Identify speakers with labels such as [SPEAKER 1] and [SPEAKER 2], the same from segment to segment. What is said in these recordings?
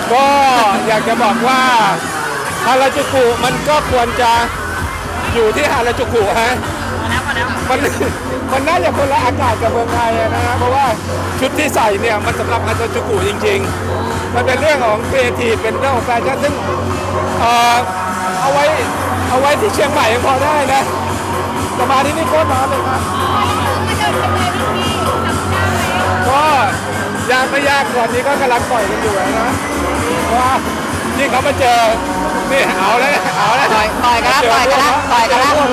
[SPEAKER 1] ก็อยากจะบอกว่าฮาราจูกุมันก็ควรจะอยู่ที่ฮาราจูกุฮะมันน่าจะคนละอากาศกับเมืองไทยนะฮะเพราะว่าชุดที่ใส่เนี่ยมันสำหรับฮาราจูกุจริงๆมันเป็นเรื่องของครีเอทีฟเป็นเรื่องของแฟชั่นซึ่งเอาไว้ที่เชียงใหม่ยังพอได้นะแต่มาที่นี่โคตรร้อนเลยครับก็ยากไม่ยากตอนนี้ก็กำลังปล่อยกันอยู่นะว่านี่เขามาเจอนี่เอาแล้ว
[SPEAKER 2] ต่อยกันแล้วมาเจอพวก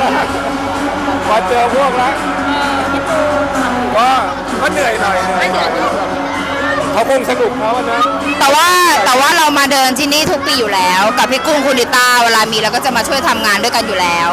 [SPEAKER 1] แล้วก็เหนื่อยหน่อยเขาคงสนุกเขานะ
[SPEAKER 2] แต่ว่าเรามาเดินที่นี่ทุกปีอยู่แล้วกับพี่กุ้งคุณดิต้าเวลามีเราก็จะมาช่วยทำงานด้วยกันอยู่แล้ว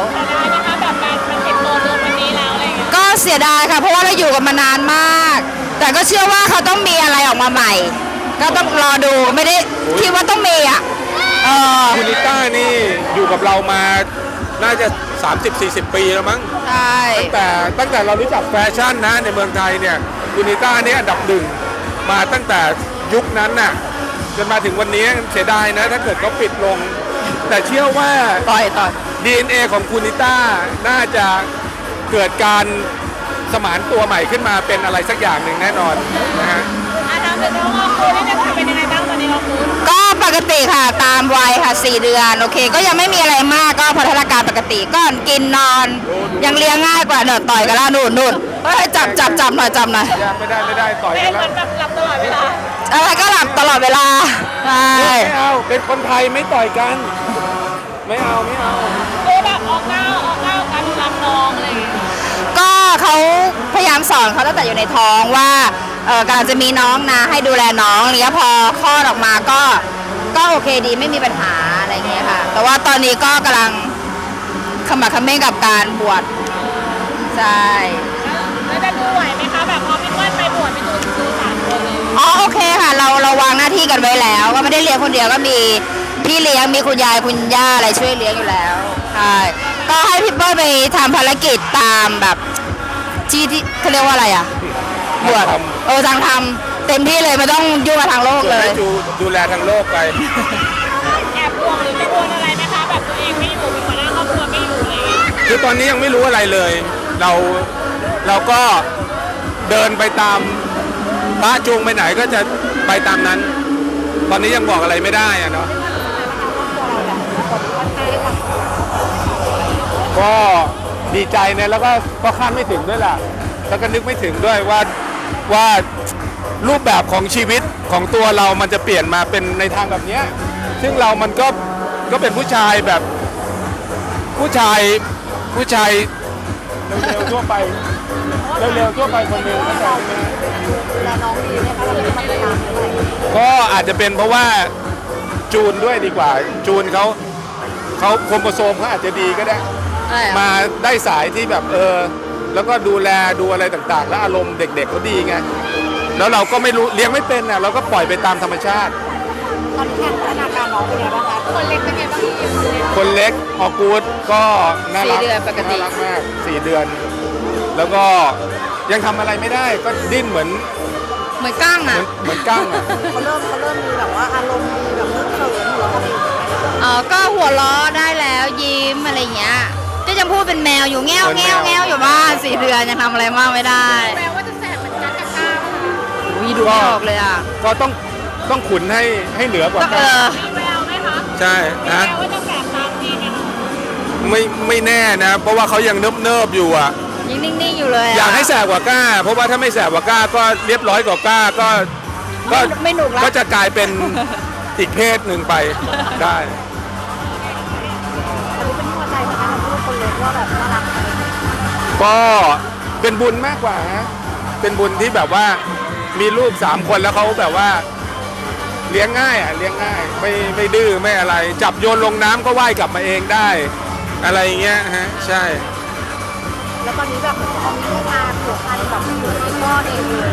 [SPEAKER 2] ก็เสียดายค่ะเพราะว่าเราอยู่กันมานานมากแต่ก็เชื่อว่าเขาต้องมีอะไรออกมาใหม่ก็ต้องรอดูไม่ได้คิดว่าต้องมีอ่ะ
[SPEAKER 1] คุณดิต้านี่อยู่กับเรามาน่าจะ 30-40 ปีแล้วมั้ง
[SPEAKER 2] ใช่
[SPEAKER 1] ตั้งแต่เรารู้จักแฟชั่นนะในเมืองไทยเนี่ยคุณดิต้านี่อันดับหนึ่งมาตั้งแต่ยุคนั้นน่ะจนมาถึงวันนี้เสียดายนะถ้าเกิดเขาปิดลงแต่เชื่อว่า
[SPEAKER 2] ต่อย
[SPEAKER 1] DNA ของคุณดิต้าน่าจะเกิดการสมานตัวใหม่ขึ้นมาเป็นอะไรสักอย่างหนึ่งแน่นอนนะฮะ
[SPEAKER 3] น้ำเป็นน้องออคูนี่จะเป็นยังไงบ้างตอนนี้ออคู
[SPEAKER 2] ก็ปกติค่ะตามวัยค่ะ4 เดือนโอเคก็ยังไม่มีอะไรมากก็พัฒนาการปกติก็กินนอนยังเลี้ยงง่ายกว่าเดินต่อยกันแล้วนู่นเฮ้ยจับหน่อย
[SPEAKER 1] ไม่ได้ต่อยกันแล้ว
[SPEAKER 3] หลับตลอดเวลา
[SPEAKER 2] อะไรก็หลับตลอดเวลาใช่
[SPEAKER 1] ไม่เอาเป็นคนไทยไม่ต่อยกันไม่เอา
[SPEAKER 3] คือแบบออกเก้าการดูแลน้องอะไรอย่างเงี้ย
[SPEAKER 2] ก็เขาพยายามสอนเขาตั้งแต่อยู่ในท้องว่ากำลังจะมีน้องนะให้ดูแลน้องอะไรเงี้ยพอคลอดออกมาก็โอเคดีไม่มีปัญหาอะไรเงี้ยค่ะแต่ว่าตอนนี้ก็กำลังขมักเขม้นกับการบวชใช่
[SPEAKER 3] แล้วจะดูไหวไหมคะแบบพอพี่เปิ้ลไปบวชพี่ตูนดู3 คนเลย
[SPEAKER 2] โอเคค่ะเราวางหน้าที่กันไว้แล้วก็ไม่ได้เลี้ยงคนเดียวก็มีพี่เลี้ยงมีคุณยายคุณย่าอะไรช่วยเลี้ยงอยู่แล้วใช่ก็ให้พี่เปิ้ลไปทำภารกิจตามแบบที่เขาเรียกว่าอะไรอ่ะบวชทางทำเต็มที่เลยไม่ต้องยุ่งกับทางโลกเลย
[SPEAKER 1] ดูแลทางโลกไป
[SPEAKER 3] แอบห่วงหรือไม่ห่วงอะไรไหมคะแบบตัวเองไม่อยู่เป็นหัวหน้าครอบครัวไม่อยู่อะไรอย่างเงี้ย
[SPEAKER 1] คือตอนนี้ยังไม่รู้อะไรเลยเราก็เดินไปตามพระจูงไปไหนก็จะไปตามนั้นตอนนี้ยังบอกอะไรไม่ได้อะเนาะก็ดีใจเนี่ยแล้วก็คาดไม่ถึงด้วยล่ะแล้วก็นึกไม่ถึงด้วยว่ารูปแบบของชีวิตของตัวเรามันจะเปลี่ยนมาเป็นในทางแบบนี้ซึ่งเรามันก็เป็นผู้ชายแบบผู้ชายเร็วๆทั่วไปคนหนึ่งเข้าใจไหมก็อาจจะเป็นเพราะว่าจูนด้วยดีกว่าจูนเขาโครโมโซมเขาอาจจะดีก็ได้มาได้สายที่แบบแล้วก็ดูแลดูอะไรต่างๆแล้วอารมณ์เด็กๆเขาดีไงแล้วเราก็ไม่รู้เลี้ยงไม่เป็นน่ะเราก็ปล่อยไปตามธรรมชาติ
[SPEAKER 3] ตอนนี้พัฒนาการน้องเป็นไงบ้างคะคนเล็กเป็นไงบ้าง
[SPEAKER 1] คนเล็กออกูดก็น่ารัก
[SPEAKER 2] 4 เดือนปกติ
[SPEAKER 1] น่ารักมาก4 เดือนแล้วก็ยังทำอะไรไม่ได้ก็ดิ้นเหมือน
[SPEAKER 2] กั้งอ่ะ
[SPEAKER 1] เหมือนกั้งอ่ะ
[SPEAKER 3] เขาเริ่มมีแบบว่าอารมณ์มีแบบเริ่มเขินหัวเรา
[SPEAKER 2] ก็หัวล้อได้แล้วยิ้มอะไรเงี้ยก็ยังพูดเป็นแมวอยู่แง่วอยู่บ้าน4 เดือนยังทำอะไรมากไม่ได้
[SPEAKER 3] แมวว่าจะแสบเหมือนกันกับก้าว
[SPEAKER 2] ดูไม่ออกเลยอ่ะ
[SPEAKER 1] ก็ต้องขุนให้เหนือกว่า
[SPEAKER 3] ก้าวแมวไหมคะ
[SPEAKER 1] ใช่
[SPEAKER 3] นะแมวว่าจะแสบตามทีเนี่ย
[SPEAKER 1] ไม่แน่นะเพราะว่าเขายังเนิบอยู่อ่ะ
[SPEAKER 2] ยังนิ่งๆอยู่เลย
[SPEAKER 1] อยากให้แสบกว่าก้าเพราะว่าถ้าไม่แสบกว่าก้าก็เรียบร้อยกว่าก้าก็
[SPEAKER 2] ไม่หนุกแล้ว
[SPEAKER 1] ก็จะกลายเป็นอีกเพศหนึ่งไปได้ก็เป็นบุญมากกว่าฮะเป็นบุญที่แบบว่ามีลูก3 คนแล้วเขาแบบว่าเลี้ยงง่ายไม่ดื้อไม่อะไรจับโยนลงน้ำก็ว่ายกลับมาเองได้อะไรเงี้ยฮะใช่
[SPEAKER 3] แล้วตอนนี้แบบเหมือนเขามีงานผูกพันกับอยู่ในพ่อเองเลย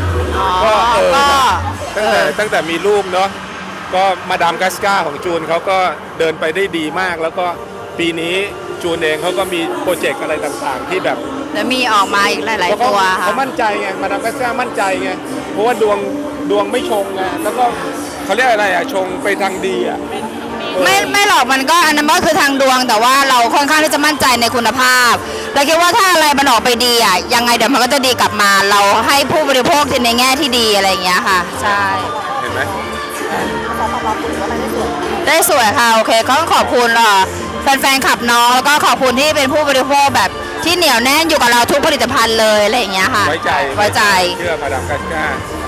[SPEAKER 1] ก็ตั้งแต่มีลูกเนาะก็มาดามกัสกาของจูนเขาก็เดินไปได้ดีมากแล้วก็ปีนี้จูนเองเขาก็มีโปรเจกต์อะไรต่างๆที่แบบ
[SPEAKER 2] แล้วมีออกมาอีกหลายๆตัว
[SPEAKER 1] เขามั่นใจไงมาดามกัสกามั่นใจไงเพราะว่าดวงไม่ชงไงแล้วก็เขเขาเรียกอะไรชงไปทางดี
[SPEAKER 2] ไม่หรอกมันก็อันนั้นก็คือทางดวงแต่ว่าเราค่อนข้างที่จะมั่นใจในคุณภาพเราคิดว่าถ้าอะไรมันออกไปดียังไงเดี๋ยวมันก็จะดีกลับมา เราให้ผู้บริโภคในแง่ที่ดีอะไรอย่างเงี้ยค่ะใช่
[SPEAKER 1] เห็นไหม
[SPEAKER 2] ได้สวยค่ะโอเคก็ต้องขอบคุณแฟนๆขับน้องแล้วก็ขอบคุณที่เป็นผู้บริโภคแบบที่เหนียวแน่นอยู่กับเราทุกผลิตภัณฑ์เลยอะไรอย่างเงี้ยค่ะ
[SPEAKER 1] ไว้ใจ
[SPEAKER 2] เชื่
[SPEAKER 1] อมาดามกัสก้า